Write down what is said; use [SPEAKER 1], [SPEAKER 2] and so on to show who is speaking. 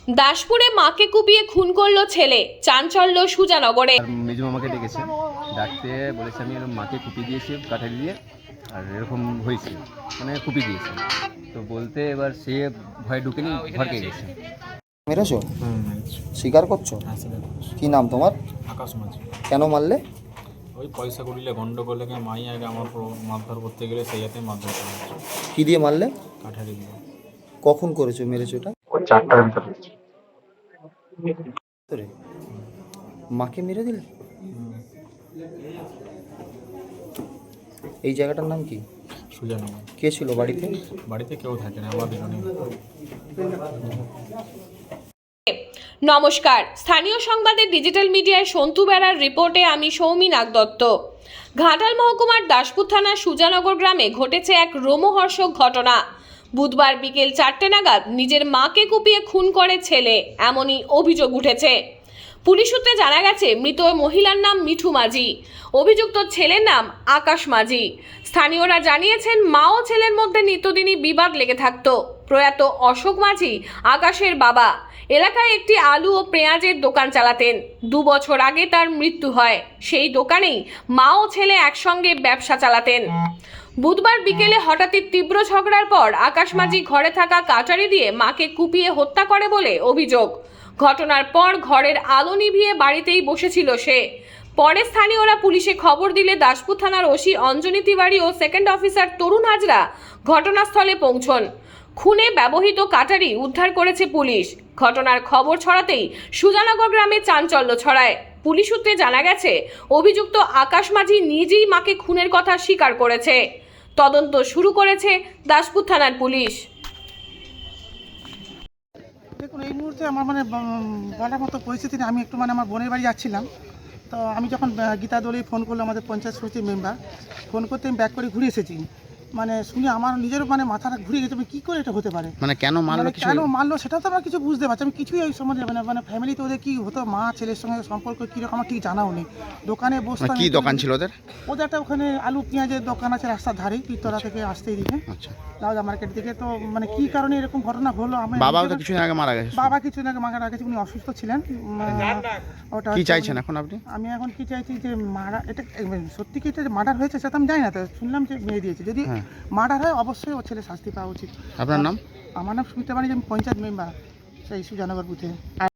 [SPEAKER 1] দাসপুরে মাকে কুপিয়ে খুন করলো ছেলে, চাঞ্চল্য সুজানগরে।
[SPEAKER 2] মেজু মামাকে ডেকেছে, ডাকতে বলেছে আমি এরকম মাকে কুপিয়ে দিয়েছি কাঠারি দিয়ে, আর এরকম হয়েছে মানে কুপিয়ে দিয়েছে। তো বলতে এবার সে ভয় ঢুকেনি, ভরকে গেছে।
[SPEAKER 3] মেরেছো? স্বীকার করছো? কি নাম তোমার?
[SPEAKER 4] আকাশ মাঝি।
[SPEAKER 3] কেন মারলে?
[SPEAKER 4] ওই পয়সা করিলে গন্ডগোলে মাই আগে আমার মারধর করতে গেলে সেই হাতে মারধর করে।
[SPEAKER 3] কি দিয়ে মারলে?
[SPEAKER 4] কাঠারি দিয়ে।
[SPEAKER 3] কখন করেছো, মেরেছো এটা?
[SPEAKER 4] ওই 4টার ভিতরে।
[SPEAKER 3] তোরে মাকে মেরে দিলে? এই জায়গাটার নাম কি?
[SPEAKER 4] সুজানগর।
[SPEAKER 3] কে ছিল বাড়িতে?
[SPEAKER 4] বাড়িতে কেউ থাকে না, আমরা দুজনেই।
[SPEAKER 1] নমস্কার, স্থানীয় সংবাদের ডিজিটাল মিডিয়ায় সন্তু বেড়ার রিপোর্টে আমি সৌমি নাগদত্ত। ঘাটাল মহকুমার দাসপুর থানার সুজানগর গ্রামে ঘটেছে এক রোমহর্ষক ঘটনা। বুধবার বিকেল 4টে নাগাদ নিজের মাকে কুপিয়ে খুন করে ছেলে, এমনই অভিযোগ উঠেছে। পুলিশ সূত্রে জানা গেছে মৃত মহিলার নাম মিঠু মাঝি, অভিযুক্ত ছেলের নাম আকাশ মাঝি। স্থানীয়রা জানিয়েছেন মা ও ছেলের মধ্যে নিত্যদিনই বিবাদ লেগে থাকত। প্রয়াত অশোক মাঝি আকাশের বাবা। এলাকায় একটি আলু ও পেঁয়াজের দোকান চালাতেন। 2 বছর আগে তার মৃত্যু হয়। সেই দোকানেই মা ও ছেলে একসঙ্গে ব্যবসা চালাতেন। বুধবার বিকেলে হঠাৎই তীব্র ঝগড়ার পর আকাশ মাঝি ঘরে থাকা কাটারি দিয়ে মাকে কুপিয়ে হত্যা করে বলে অভিযোগ। ঘটনার পর ঘরের আলো নিভিয়ে বাড়িতেই বসেছিল সে। পরে স্থানীয়রা পুলিশে খবর দিলে দাসপুর থানার ওসি অঞ্জনী তিওয়ারি ও সেকেন্ড অফিসার তরুণ হাজরা ঘটনাস্থলে পৌঁছন। খুনে ব্যবহৃত কাটারি উদ্ধার করেছে পুলিশ। ঘটনার খবর ছড়াতেই সুজানগর গ্রামে চাঞ্চল্য ছড়ায়। পুলিশ সূত্রে জানা গেছে অভিযুক্ত আকাশ মাঝি নিজেই মাকে খুনের কথা স্বীকার করেছে। তদন্ত শুরু করেছে দাসপুর থানার পুলিশ।
[SPEAKER 5] দেখুন, এই মুহূর্তে আমার বলার মতো পরিস্থিতি নেই। আমি একটু আমার বোনের বাড়ি যাচ্ছিলাম। তো আমি যখন গীতা দোলে ফোন করলো, আমাদের পঞ্চায়েত সমিতির মেম্বার, ফোন করতে আমি ব্যাক করে ঘুরে এসেছি। শুনে আমার নিজেরও মাথাটা ঘুরে গেছে, কী করে এটা হতে পারে,
[SPEAKER 3] কেন মারলো?
[SPEAKER 5] কেন মারলো সেটাও তো আমরা কিছু বুঝতে পারছি। আমি কিছুই ওই সম্বন্ধে ফ্যামিলিতে ওদের কী হতো, মা ছেলের সঙ্গে সম্পর্ক কীরকম আমার ঠিক জানাও নেই। দোকানে বসতাম।
[SPEAKER 3] কি দোকান ছিল ওদের?
[SPEAKER 5] ওদের একটা ওখানে আলু পেঁয়াজের দোকান আছে রাস্তার ধারে, পীরতলা থেকে আসতেই দিকে, দাদা মার্কেট থেকে। তো কী কারণে এরকম ঘটনা হলো, আমি
[SPEAKER 3] বাবাও তো কিছুদিন আগে মারা গেছে।
[SPEAKER 5] বাবা কিছুদিন আগে মারা গেছে, উনি অসুস্থ ছিলেন। ওটা
[SPEAKER 3] কি চাইছেন এখন আপনি?
[SPEAKER 5] আমি এখন কি চাইছি যে এটা সত্যি কি এটা মার্ডার হয়েছে সেটা আমি জানি না, তো শুনলাম যে মেয়ে দিয়েছে। যদি মার্ডার হয় অবশ্যই ও ছেলে শাস্তি পাওয়া উচিত।
[SPEAKER 3] আপনার নাম?
[SPEAKER 5] আমার নাম সুমিতা বাণী, আমি পঞ্চায়েত মেম্বার সেই সুজানগর বুথে।